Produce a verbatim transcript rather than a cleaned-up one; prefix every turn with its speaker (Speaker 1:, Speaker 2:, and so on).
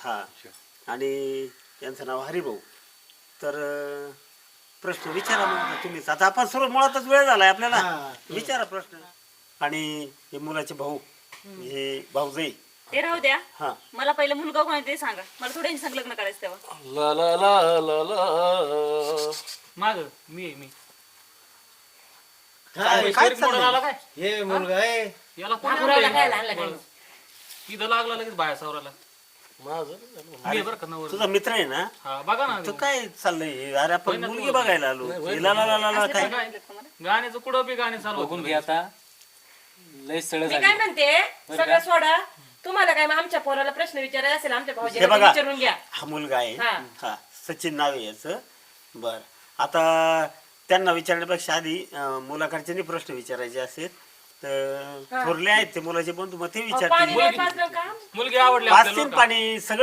Speaker 1: हा आणि यांचं नाव हरिभाऊ. तर अं, प्रश्न विचारा मग तुम्हीच. आता आपण सर्व मुळातच वेळ झालाय आपल्याला. विचारा प्रश्न. आणि हे मुलाचे भाऊ, हे भाऊजाई.
Speaker 2: ते राहू द्या.
Speaker 1: हा
Speaker 2: मला पहिलं मुलगा कोण आहे ते सांगा. मला थोड्या संग लग्न करायचं तेव्हा.
Speaker 3: ला ला ला ला ला
Speaker 4: माग मी आहे, मी
Speaker 1: काय काय चाललंय?
Speaker 5: हे मुलगा आहे
Speaker 4: याला कोणी
Speaker 6: हाकुराला काय
Speaker 4: आणलंय?
Speaker 6: लागलं काय?
Speaker 4: इथं लागला लगेच बाया सावराला.
Speaker 3: माझं
Speaker 4: मी आहे बरं का नवर.
Speaker 1: तुझा मित्र आहे ना?
Speaker 4: हा बघा ना
Speaker 1: तो काय चाललंय? अरे आपण मुलगी बघायला आलो. हिला ला ला ला ला काय?
Speaker 4: गाण्याचं कुठं बी गाणे चालू
Speaker 7: बघून घ्या आता लय सळ
Speaker 6: मी
Speaker 7: झाली
Speaker 6: काय म्हणते सगळं सोडा. तुम्हाला काय मग आमच्या पोराला प्रश्न विचारायचा असेल आमच्या
Speaker 1: हे
Speaker 6: भाऊजीला
Speaker 1: बघा
Speaker 6: विचारून घ्या.
Speaker 1: हा मुलगा आहे.
Speaker 6: हा.
Speaker 1: हा सचिन नाव आहे याचं. बर आता त्यांना विचारण्यापेक्षा आधी अं, मुलाकडचे प्रश्न विचारायचे असेल तर थोरले आहेत ते मुलाचे बंधू, मग ते
Speaker 6: अहो, पाणी
Speaker 1: विचारतील.
Speaker 6: नाही पाजलं का?
Speaker 4: मुलगी आवडली
Speaker 1: पाच
Speaker 4: आपल्याला
Speaker 1: तीन
Speaker 4: बरं का?
Speaker 1: पाणी सगळं